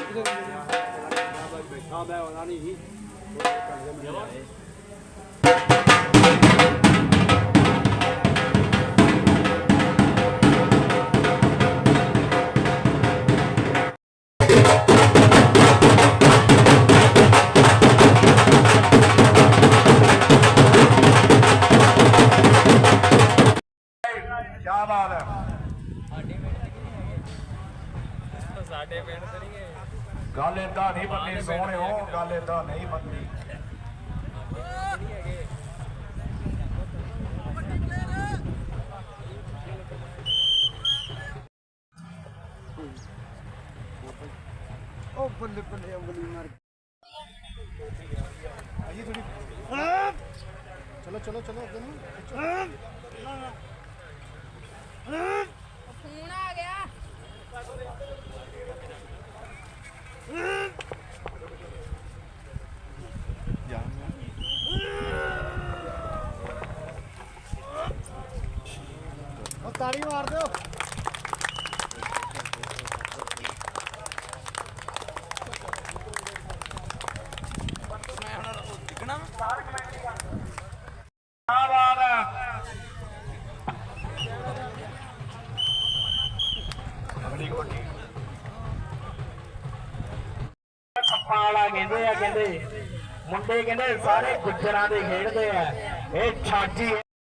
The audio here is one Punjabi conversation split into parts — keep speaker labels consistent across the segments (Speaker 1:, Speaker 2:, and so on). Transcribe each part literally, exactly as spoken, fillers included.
Speaker 1: क्या बात है
Speaker 2: ਸਾਡੇ ਪਿੰਡ ਤੇ ਨਹੀਂ ਗਏ
Speaker 1: गल इदा नहीं बननी सोहने हो गल इदा नहीं बननी
Speaker 3: ओ बल्ले बल्ले अंगली मार आइए थोड़ी चलो चलो चलो
Speaker 4: फोन आ गया
Speaker 3: ताड़ी मार दो
Speaker 1: ਸੱਪਾਂ ਵਾਲਾ ਕਹਿੰਦੇ ਆ ਕਹਿੰਦੇ ਮੁੰਡੇ ਕਹਿੰਦੇ ਸਾਰੇ ਗੁੱਜਰਾਂ ਦੇ ਖੇਡਦੇ ਆ ਇਹ ਛਾਜੀ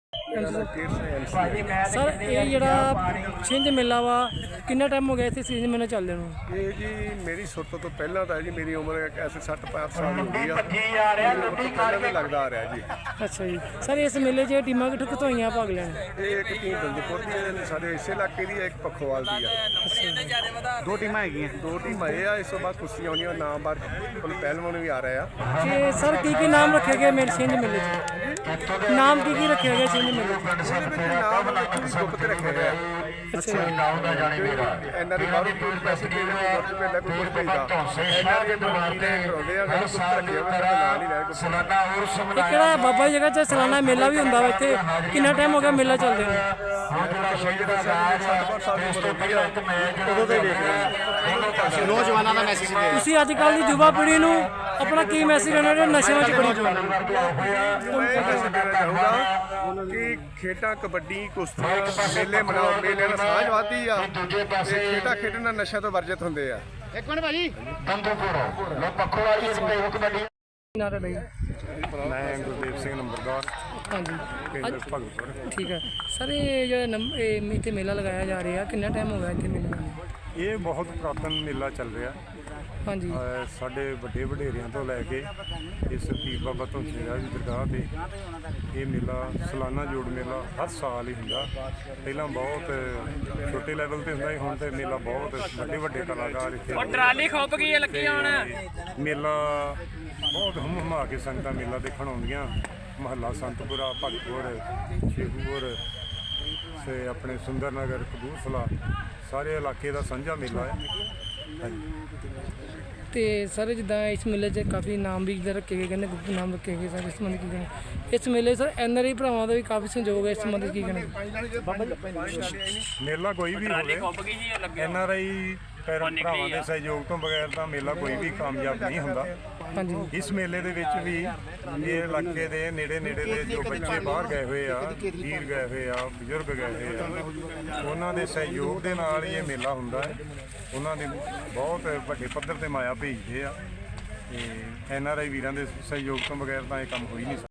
Speaker 5: ਸਰ ਇਹ ਜਿਹੜਾ ਛਿੰਝ ਮੇਲਾ ਵਾ ਕਿੰਨਾ ਟਾਈਮ ਹੋ ਗਿਆ ਇੱਥੇ ਛਿੰਝ ਮੇਲਾ ਚੱਲਦੇ ਨੂੰ?
Speaker 6: ਇਹ ਜੀ ਮੇਰੀ ਸੁਰਤ ਤੋਂ ਪਹਿਲਾਂ ਤਾਂ ਜੀ ਮੇਰੀ ਉਮਰ ਐਸੇ ਸੱਠ ਪੈਂਹਠ ਸਾਲ ਹੋ ਗਈ ਆ
Speaker 1: ਭੱਜੀ ਜਾ ਰਿਹਾ ਲੁੱਡੀ
Speaker 6: ਪਹਿਲਾਂ ਵੀ ਲੱਗਦਾ ਆ ਰਿਹਾ ਜੀ।
Speaker 5: ਅੱਛਾ ਜੀ ਸਰ ਇਸ ਮੇਲੇ 'ਚ ਟੀਮਾਂ ਕਿੱਥੋਂ ਕਿੱਥੋਂ ਆਈਆਂ ਭਾਗ ਲੈਣ?
Speaker 6: ਇਹ ਇੱਕ ਟੀਮ ਦਲਦਪੁਰ ਦੀ ਹੈ ਸਾਡੇ ਇਸੇ ਇਲਾਕੇ ਦੀ ਹੈ, ਇੱਕ ਪੱਖੋਵਾਲ ਦੀ ਆ।
Speaker 3: दो टीम हैगी
Speaker 6: ਦੋ ਟੀਮਾਂ ਇਹ ਆ, ਇਸ ਤੋਂ ਬਾਅਦ ਕੁਸ਼ਤੀਆਂ ਆਉਣੀਆਂ ਨਾਮ ਬਾਰ ਪਹਿਲਵਾਨ ਵੀ ਆ ਰਹੇ ਆ।
Speaker 5: ਤੇ ਸਰ ਕੀ ਕੀ ਨਾਮ ਰੱਖੇ ਗਏ ਮੇਰੇ ਛਿੰਝ ਮੇਲੇ 'ਚ? ਨਾਮ ਕੀ ਕੀ ਰੱਖੇ ਗਏ ਛਿੰਝ ਮੇਲੇ 'ਚ?
Speaker 6: ਇਹਦੇ ਵਿੱਚ ਨਾਮ ਰੱਖੇ ਵੀ ਗੁਪਤ ਰੱਖੇ ਹੋਏ ਆ।
Speaker 5: ਅੱਛਾ ਜੀ
Speaker 6: ਇਹਨਾਂ ਦੀ ਬਾਹਰੋਂ ਕੋਈ ਪੈਸੇ ਦੇ ਦੇ ਕੋਈ ਪੈਂਦਾ ਕੋਈ ਕੁਝ ਭੇਜਦਾ ਇਹਨਾਂ ਦੇ ਮਾਰਦੇ ਕਰਾਉਂਦੇ ਆ ਗੁਪਤ ਰੱਖੇ ਹੋਏ ਸਾਡਾ ਨਾਂ ਨਹੀਂ ਲੈ ਗੁਪਤ।
Speaker 5: ਇਹ ਕਿਹੜਾ ਬਾਬਾ ਜੀ ਜਗ੍ਹਾ 'ਚ ਸਾਲਾਨਾ ਮੇਲਾ ਵੀ ਹੁੰਦਾ ਵਾ ਇੱਥੇ? ਕਿੰਨਾ ਟਾਈਮ ਹੋ ਗਿਆ ਮੇਲਾ ਚੱਲਦੇ ਨੂੰ?
Speaker 6: ਉਦੋਂ ਦੇ ਦੇਖ ਰਹੇ
Speaker 3: नौजवानों का मैसेज दे
Speaker 5: ਤੁਸੀਂ ਅੱਜ ਕੱਲ੍ਹ ਦੀ ਯੁਵਾ ਪੀੜ੍ਹੀ ਨੂੰ ਆਪਣਾ ਕੀ ਮੈਸੇਜ ਦੇਣਾ ਜਿਹੜੇ ਨਸ਼ਿਆਂ 'ਚ ਬੜੀ ਪਈ?
Speaker 6: ਮੈਂ ਇਹ ਮੈਸੇਜ ਦੇਣਾ ਚਾਹੂੰਗਾ ਕਿ ਖੇਡਾਂ ਕਬੱਡੀ ਕੁਸ਼ਤੀ ਮੇਲੇ ਮਨਾਓ, ਮੇਲੇ ਨਾਲ ਸਾਂਝ ਵੱਧਦੀ ਆ ਤੇ ਖੇਡਾਂ ਖੇਡਣ ਨਾਲ ਨਸ਼ਿਆਂ ਤੋਂ ਵਰਜਿਤ ਹੁੰਦੇ ਆ।
Speaker 3: एक मिनट भाजी
Speaker 5: ਨਾਰਾ ਲਈ
Speaker 6: ਮੈਂ ਗੁਰਦੇਵ ਸਿੰਘ ਨੰਬਰਦਾਰ
Speaker 5: ਹਾਂਜੀ
Speaker 6: ਪਿੰਡ ਭਗਤਪੁਰ।
Speaker 5: ਠੀਕ ਹੈ ਸਰ ਇਹ ਜਿਹੜਾ ਨੰਬ ਇਹ ਇੱਥੇ ਮੇਲਾ ਲਗਾਇਆ ਜਾ ਰਿਹਾ ਕਿੰਨਾ ਟਾਈਮ ਹੋ ਗਿਆ ਇੱਥੇ ਮੇਲੇ ਨੂੰ?
Speaker 6: ਇਹ ਬਹੁਤ ਪੁਰਾਤਨ ਮੇਲਾ ਚੱਲ ਰਿਹਾ।
Speaker 5: ਹਾਂਜੀ
Speaker 6: ਅਹ ਸਾਡੇ ਵੱਡੇ ਵਡੇਰਿਆਂ ਤੋਂ ਲੈ ਕੇ ਇਸ ਪੀਰ ਬਾਬਾ ਧੌਂਸੇ ਰਾਜ ਦੀ ਦਰਗਾਹ ਤੇ ਇਹ ਮੇਲਾ ਸਾਲਾਨਾ ਜੋੜ ਮੇਲਾ ਹਰ ਸਾਲ ਹੀ ਹੁੰਦਾ। ਪਹਿਲਾਂ ਬਹੁਤ ਛੋਟੇ ਲੈਵਲ ਤੇ ਹੁੰਦਾ ਸੀ, ਹੁਣ ਤੇ ਮੇਲਾ ਬਹੁਤ ਵੱਡੇ ਵੱਡੇ ਕਲਾਕਾਰ ਇੱਥੇ
Speaker 2: ਟਰਾਲੀ ਖੁੱਪ ਗਈ ਹੈ ਲੱਗੀ ਹੁਣ।
Speaker 6: ਮੇਲਾ ਬਹੁਤ ਹੁਮ ਹੁਮਾ ਕੇ ਸੰਗਤਾਂ ਮੇਲਾ ਦੇਖਣ ਆਉਂਦੀਆਂ। ਮਹੱਲਾ ਸੰਤਪੁਰਾ, ਭਗਤਪੁਰ, ਸ਼ੇਖੂਪੁਰ ਤੇ ਆਪਣੇ ਸੁੰਦਰ ਨਗਰ, ਕਪੂਰਥਲਾ ਸਾਰੇ ਇਲਾਕੇ ਦਾ ਸਾਂਝਾ ਮੇਲਾ ਹੈ। ਹਾਂਜੀ
Speaker 5: ਤੇ ਸਰ ਜਿੱਦਾਂ ਇਸ ਮੇਲੇ 'ਚ ਕਾਫੀ ਨਾਮ ਵੀ ਇੱਧਰ ਰੱਖੇ ਗਏ, ਕਹਿੰਦੇ ਗੁਪਤ ਨਾਮ ਰੱਖੇ ਗਏ ਸਰ, ਇਸ ਸੰਬੰਧੀ ਕੀ ਕਹਿਣਾ? ਇਸ ਮੇਲੇ ਸਰ ਐਨ ਆਰ ਆਈ ਭਰਾਵਾਂ ਦਾ ਵੀ ਕਾਫੀ ਸਹਿਯੋਗ ਹੈ, ਇਸ ਸੰਬੰਧੀ ਕੀ ਕਹਿਣਾ?
Speaker 6: ਮੇਲਾ ਕੋਈ ਵੀ ਹੋਵੇ ਐਨ ਆਰ ਆਈ ਭਰਾਵਾਂ ਦੇ ਸਹਿਯੋਗ ਤੋਂ ਬਗੈਰ ਤਾਂ ਮੇਲਾ ਕੋਈ ਵੀ ਕਾਮਯਾਬ ਨਹੀਂ ਹੁੰਦਾ।
Speaker 5: ਹਾਂਜੀ
Speaker 6: ਇਸ ਮੇਲੇ ਦੇ ਵਿੱਚ ਵੀ ਇਹ ਇਲਾਕੇ ਦੇ ਨੇੜੇ ਨੇੜੇ ਦੇ ਜੋ ਬੱਚੇ ਬਾਹਰ ਗਏ ਹੋਏ ਆ, ਵੀਰ ਗਏ ਹੋਏ ਆ, ਬਜ਼ੁਰਗ ਗਏ ਹੋਏ ਆ, ਉਹਨਾਂ ਦੇ ਸਹਿਯੋਗ ਦੇ ਨਾਲ ਹੀ ਇਹ ਮੇਲਾ ਹੁੰਦਾ ਹੈ। ਉਹਨਾਂ ਦੇ ਬਹੁਤ ਵੱਡੇ ਪੱਧਰ ਤੇ ਮਾਇਆ ਭੇਜਦੇ ਆ ਤੇ ਐਨ ਆਰ ਆਈ ਵੀਰਾਂ ਦੇ ਸਹਿਯੋਗ ਤੋਂ ਬਗੈਰ ਤਾਂ ਇਹ ਕੰਮ ਹੋ ਹੀ ਨਹੀਂ ਸਕਦਾ।